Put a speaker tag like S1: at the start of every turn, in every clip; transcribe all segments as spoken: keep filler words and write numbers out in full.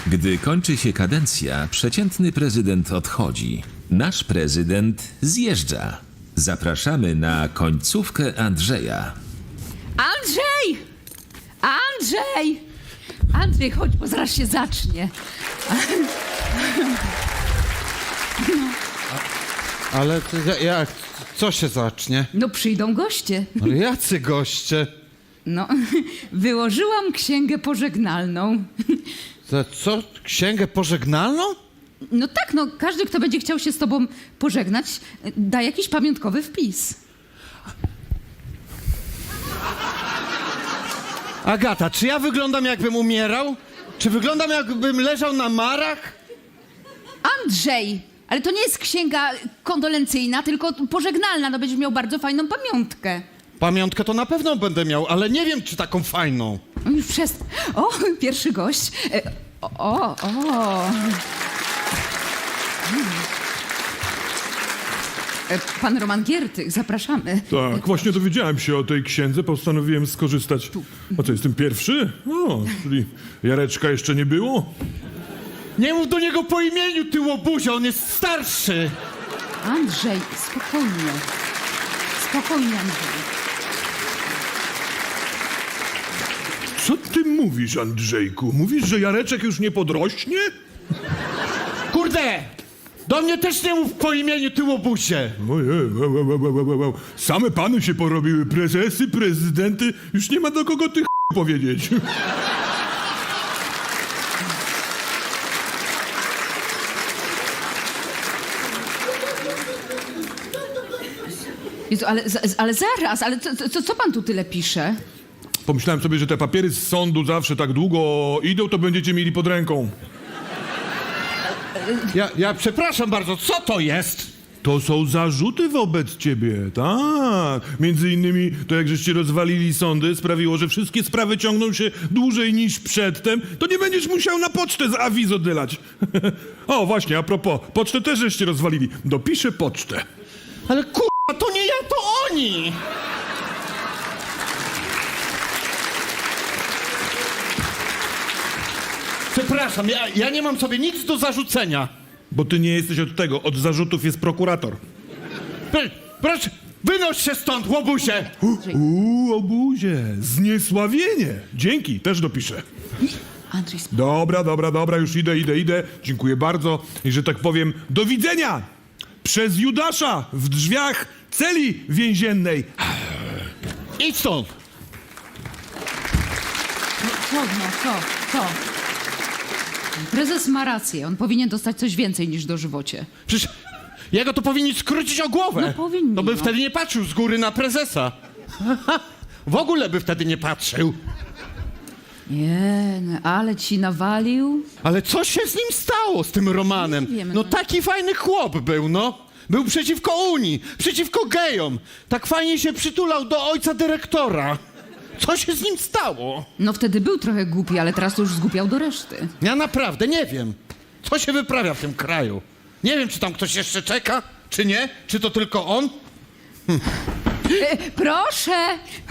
S1: Gdy kończy się kadencja, przeciętny prezydent odchodzi. Nasz prezydent zjeżdża. Zapraszamy na końcówkę Andrzeja.
S2: Andrzej! Andrzej! Andrzej, chodź, bo zaraz się zacznie.
S3: Ale to ja- jak? Co się zacznie?
S2: No przyjdą goście.
S3: Ale jacy goście?
S2: No, wyłożyłam księgę pożegnalną.
S3: Za co? Księgę pożegnalną?
S2: No tak, no każdy, kto będzie chciał się z tobą pożegnać, da jakiś pamiątkowy wpis.
S3: Agata, czy ja wyglądam jakbym umierał? Czy wyglądam jakbym leżał na marach?
S2: Andrzej! Ale to nie jest księga kondolencyjna, tylko pożegnalna. No będziesz miał bardzo fajną pamiątkę.
S3: Pamiątkę to na pewno będę miał, ale nie wiem, czy taką fajną.
S2: No już przez... O, pierwszy gość. E, O, o, o. E, Pan Roman Giertych, zapraszamy.
S4: Tak, właśnie dowiedziałem się o tej księdze, postanowiłem skorzystać. A co, jestem pierwszy? O, czyli Jareczka jeszcze nie było?
S3: Nie mów do niego po imieniu, ty łobuzie, on jest starszy.
S2: Andrzej, spokojnie. Spokojnie, Andrzej.
S4: Co ty mówisz, Andrzejku? Mówisz, że Jareczek już nie podrośnie?
S3: Kurde! Do mnie też nie mów po imieniu, ty łobuzie.
S4: Ojej, wow, wow, wow, wow, wow, wow. Same pany się porobiły, prezesy, prezydenty. Już nie ma do kogo tych powiedzieć.
S2: Jezu, ale, za- ale zaraz, ale co, co, co pan tu tyle pisze?
S4: Pomyślałem sobie, że te papiery z sądu zawsze tak długo idą, to będziecie mieli pod ręką.
S3: Ja, ja przepraszam bardzo, co to jest?
S4: To są zarzuty wobec ciebie, tak. Między innymi to, jak żeście rozwalili sądy, sprawiło, że wszystkie sprawy ciągną się dłużej niż przedtem, to nie będziesz musiał na pocztę z awiz oddylać. O, właśnie, a propos, pocztę też żeście rozwalili. Dopiszę pocztę.
S3: Ale kurwa, to nie ja, to oni! Przepraszam, ja, ja nie mam sobie nic do zarzucenia.
S4: Bo ty nie jesteś od tego, od zarzutów jest prokurator.
S3: Pr- Proszę, wynoś się stąd, łobuzie!
S4: Uuu, obuzie, zniesławienie. Dzięki, też dopiszę.
S2: Andrzej, sp-
S4: Dobra, dobra, dobra, już idę, idę, idę. Dziękuję bardzo i że tak powiem, do widzenia! Przez Judasza w drzwiach celi więziennej.
S3: Idź stąd!
S2: co, no, co, co? Prezes ma rację, on powinien dostać coś więcej niż dożywocie.
S3: Przecież jego to powinni skrócić o głowę.
S2: No powinni,
S3: To by
S2: no.
S3: wtedy nie patrzył z góry na prezesa. W ogóle by wtedy nie patrzył.
S2: Nie, no, ale ci nawalił.
S3: Ale co się z nim stało, z tym Romanem?
S2: Nie wiem,
S3: no
S2: no.
S3: taki fajny chłop był, no. Był przeciwko Unii, przeciwko gejom. Tak fajnie się przytulał do ojca dyrektora. Co się z nim stało?
S2: No wtedy był trochę głupi, ale teraz to już zgłupiał do reszty.
S3: Ja naprawdę nie wiem, co się wyprawia w tym kraju. Nie wiem, czy tam ktoś jeszcze czeka, czy nie, czy to tylko on.
S2: E, proszę!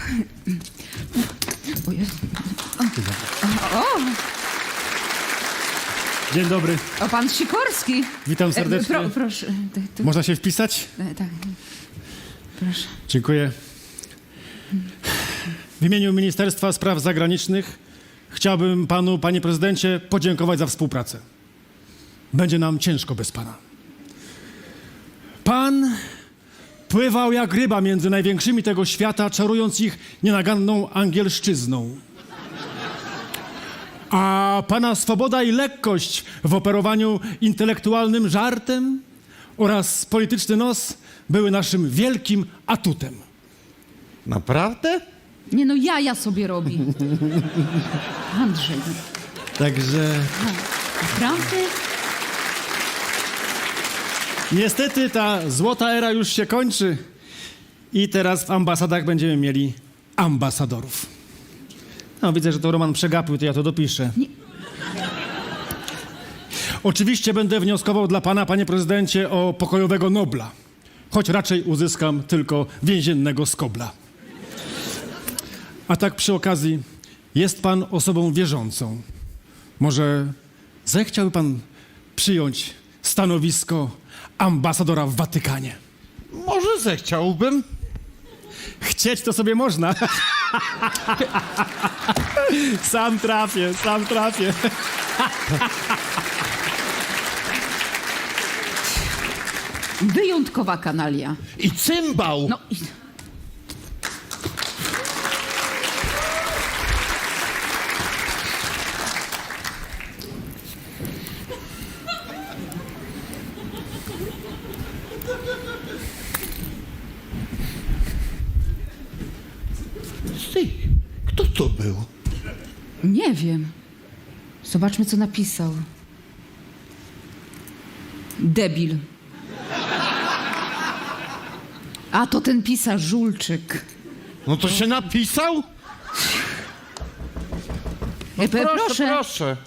S2: O Jezu. O, o,
S5: Dzień dobry,
S2: o, pan Sikorski.
S5: witam
S2: E,
S5: serdecznie.
S2: Pro, proszę. Tak, tu,
S5: Można się wpisać?
S2: e, tak. Proszę.
S5: Dziękuję. W imieniu Ministerstwa Spraw Zagranicznych chciałbym panu, panie prezydencie, podziękować za współpracę. Będzie nam ciężko bez pana. Pan pływał jak ryba między największymi tego świata, czarując ich nienaganną angielszczyzną. A pana swoboda i lekkość w operowaniu intelektualnym żartem oraz polityczny nos były naszym wielkim atutem.
S3: Naprawdę?
S2: Nie no, jaja sobie robi. Andrzej,
S5: Także
S2: naprawdę?
S5: niestety ta złota era już się kończy i teraz w ambasadach będziemy mieli ambasadorów. No, widzę, że to Roman przegapił, to ja to dopiszę.
S2: Nie.
S5: Oczywiście będę wnioskował dla pana, panie prezydencie, o pokojowego Nobla, choć raczej uzyskam tylko więziennego skobla. A tak przy okazji, jest pan osobą wierzącą. Może zechciałby pan przyjąć stanowisko ambasadora w Watykanie?
S3: Może zechciałbym.
S5: Chcieć to sobie można. Sam trafię, sam trafię.
S2: Wyjątkowa kanalia.
S3: I cymbał.
S2: No i...
S3: Ty, kto to był?
S2: Nie wiem. Zobaczmy, co napisał. Debil. A to ten pisarz Żulczyk.
S3: No to się napisał?
S2: E, pe- proszę.
S3: proszę.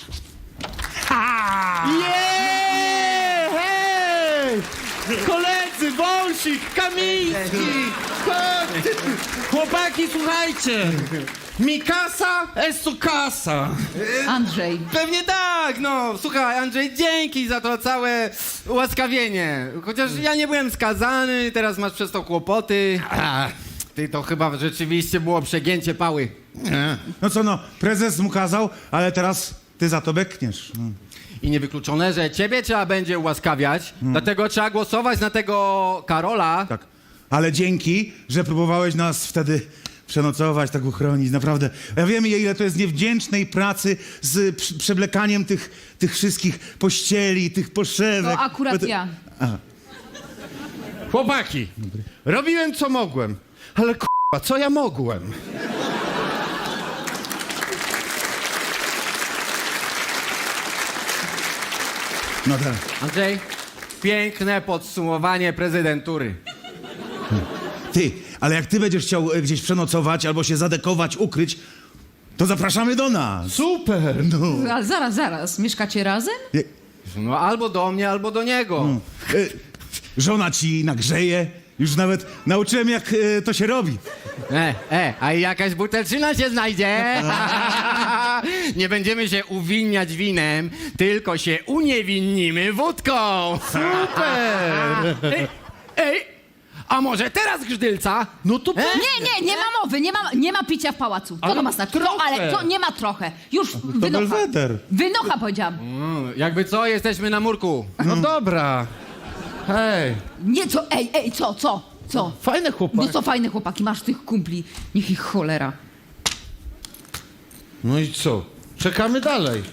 S3: Jeee! Hej! Koledzy, Wąsik, Kamiński! Chodź! Chłopaki, słuchajcie! Mikasa, esto kasa!
S2: Andrzej.
S6: Pewnie tak, no. Słuchaj, Andrzej, dzięki za to całe ułaskawienie. Chociaż ja nie byłem skazany, teraz masz przez to kłopoty. A, ty to chyba rzeczywiście było przegięcie pały.
S7: No co no, prezes mu kazał, ale teraz ty za to bekniesz. Mm.
S6: I niewykluczone, że ciebie trzeba będzie ułaskawiać, dlatego trzeba głosować na tego Karola.
S7: Tak. Ale dzięki, że próbowałeś nas wtedy przenocować, tak uchronić, naprawdę. Ja wiem, ile to jest niewdzięcznej pracy z prze- przewlekaniem tych, tych wszystkich pościeli, tych poszewek.
S2: To akurat
S7: Bo to-
S2: ja.
S3: Chłopaki, robiłem co mogłem, ale k***a, co ja mogłem?
S7: No tak.
S6: Andrzej, piękne podsumowanie prezydentury.
S7: Ty, ale jak ty będziesz chciał e, gdzieś przenocować albo się zadekować, ukryć, to zapraszamy do nas.
S3: Super!
S7: No.
S2: Ale zaraz, zaraz. Mieszkacie razem?
S7: Je-
S6: No albo do mnie, albo do niego.
S7: e, żona ci nagrzeje. Już nawet nauczyłem, jak e, to się robi.
S6: E, e, a i jakaś butelczyna się znajdzie. Nie będziemy się uwinniać winem, tylko się uniewinnimy wódką.
S3: Super!
S6: Ej, ej, a może teraz grzdylca?
S3: No to
S6: E?
S2: Nie, nie, nie ma mowy, nie ma, nie ma picia w pałacu. Co
S3: Ale
S2: to ma znaczyć? No,
S3: trochę.
S2: ale to nie ma trochę. Już
S7: To
S2: wynocha.
S7: Belweder.
S2: Wynocha, powiedziałam.
S6: Mm, jakby co, jesteśmy na murku.
S3: No dobra. Hej,
S2: Nie, co, ej, ej, co, co, co?
S3: fajne chłopaki.
S2: No co fajne chłopaki, masz tych kumpli. Niech ich cholera.
S3: No i co? Czekamy dalej.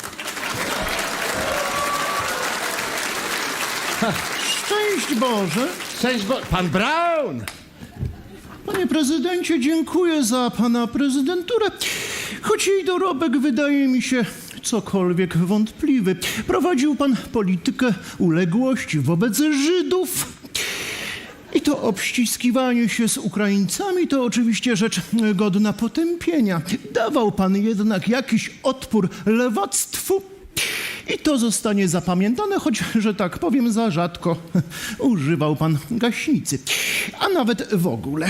S8: Szczęść Boże!
S3: Cześć, bo... Pan Brown!
S8: Panie prezydencie, dziękuję za pana prezydenturę. Choć jej dorobek wydaje mi się cokolwiek wątpliwy. Prowadził pan politykę uległości wobec Żydów. I to obściskiwanie się z Ukraińcami to oczywiście rzecz godna potępienia. Dawał pan jednak jakiś odpór lewactwu. I to zostanie zapamiętane, choć, że tak powiem, za rzadko używał pan gaśnicy. A nawet w ogóle.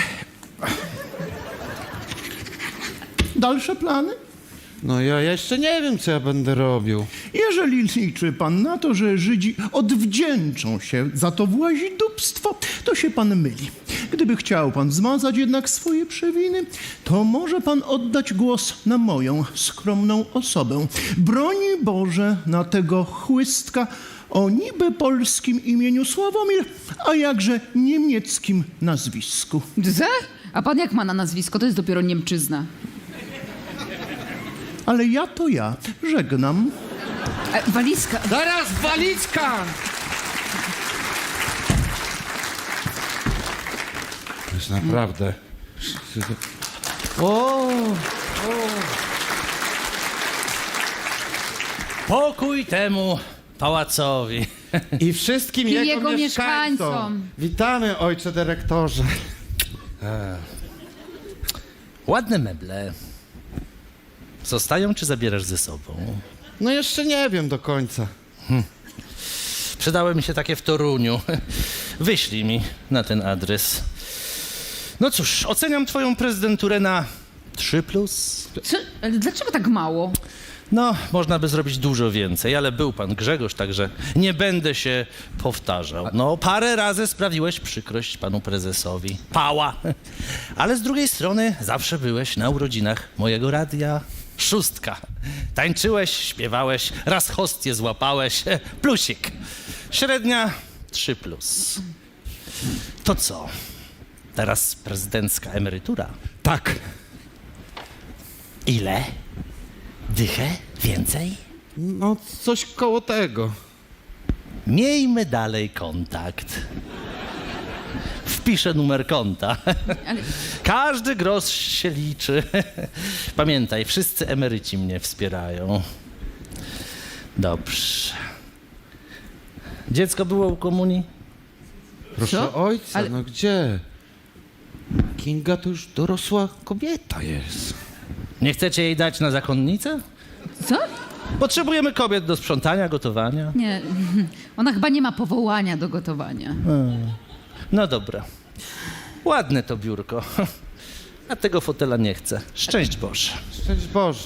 S8: Dalsze plany?
S3: No ja jeszcze nie wiem, co ja będę robił.
S8: Jeżeli liczy pan na to, że Żydzi odwdzięczą się za to właźdupstwo, to się pan myli. Gdyby chciał pan zmazać jednak swoje przewiny, to może pan oddać głos na moją skromną osobę. Broni Boże na tego chłystka o niby polskim imieniu Sławomir, a jakże niemieckim nazwisku.
S2: Ze? A pan jak ma na nazwisko? To jest dopiero Niemczyzna.
S8: Ale ja to ja. Żegnam.
S2: E, walizka.
S3: Zaraz, walizka! To jest naprawdę... O!
S9: Pokój temu pałacowi.
S3: I wszystkim
S2: I
S3: jego,
S2: jego
S3: mieszkańcom.
S2: mieszkańcom.
S3: Witamy, ojcze dyrektorze.
S9: Ładne meble. Zostają czy zabierasz ze sobą?
S3: No jeszcze nie wiem do końca.
S9: Przydały mi się takie w Toruniu. Wyślij mi na ten adres. No cóż, oceniam twoją prezydenturę na trzy plus.
S2: Co? Ale dlaczego tak mało?
S9: No, można by zrobić dużo więcej, ale był pan Grzegorz, także nie będę się powtarzał. No, parę razy sprawiłeś przykrość panu prezesowi. Pała. Ale z drugiej strony zawsze byłeś na urodzinach mojego radia. Szóstka. Tańczyłeś, śpiewałeś, raz hostię złapałeś. Plusik. Średnia trzy plus. To co? Teraz prezydencka emerytura.
S3: Tak.
S9: Ile? Dychę? Więcej?
S3: No, coś koło tego.
S9: Miejmy dalej kontakt. Wpiszę numer konta.
S2: Ale
S9: Każdy grosz się liczy. Pamiętaj, wszyscy emeryci mnie wspierają. Dobrze. Dziecko było u komunii?
S3: Proszę
S2: Co?
S3: ojca,
S2: Ale-
S3: no gdzie? Kinga to już dorosła kobieta jest.
S9: Nie chcecie jej dać na zakonnicę?
S2: co?
S9: Potrzebujemy kobiet do sprzątania, gotowania.
S2: Nie, ona chyba nie ma powołania do gotowania.
S9: No dobra. Ładne to biurko. A tego fotela nie chcę. Szczęść Boże.
S3: Szczęść Boże.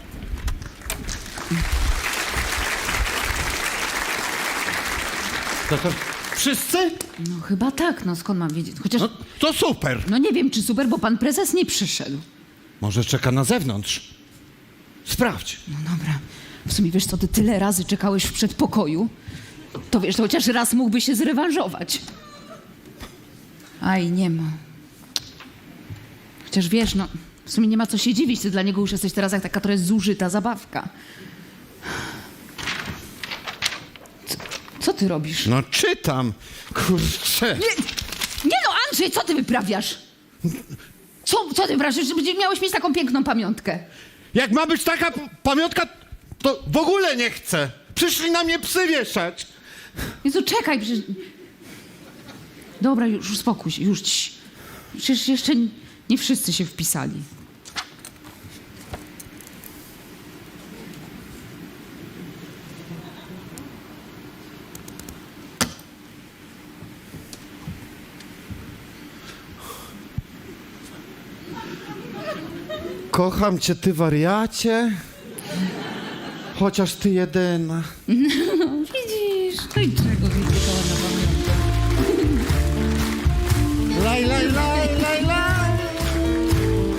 S3: To to wszyscy?
S2: No chyba tak, no skąd mam wiedzieć? Chociaż,
S3: No to super.
S2: no nie wiem czy super, bo pan prezes nie przyszedł.
S3: Może czeka na zewnątrz. Sprawdź.
S2: No dobra. W sumie wiesz co, ty tyle razy czekałeś w przedpokoju, to wiesz, to chociaż raz mógłby się zrewanżować. Aj, nie ma. Chociaż wiesz, no, w sumie nie ma co się dziwić, ty dla niego już jesteś teraz jak taka trochę zużyta zabawka. Co, co ty robisz?
S3: No czytam. Kurczę.
S2: Nie, nie no, Andrzej, co ty wyprawiasz? Co, co ty wyprawiasz? Że miałeś mieć taką piękną pamiątkę.
S3: Jak ma być taka p- pamiątka, to w ogóle nie chcę. Przyszli na mnie psy wieszać.
S2: Jezu, czekaj, przecież... Dobra, już uspokój się, już ci. Przecież jeszcze nie wszyscy się wpisali.
S3: Kocham cię, ty wariacie. Chociaż ty jedyna.
S2: Widzisz, no i czego widzę, na pamiątkę.
S3: Laj, laj, laj, laj, laj.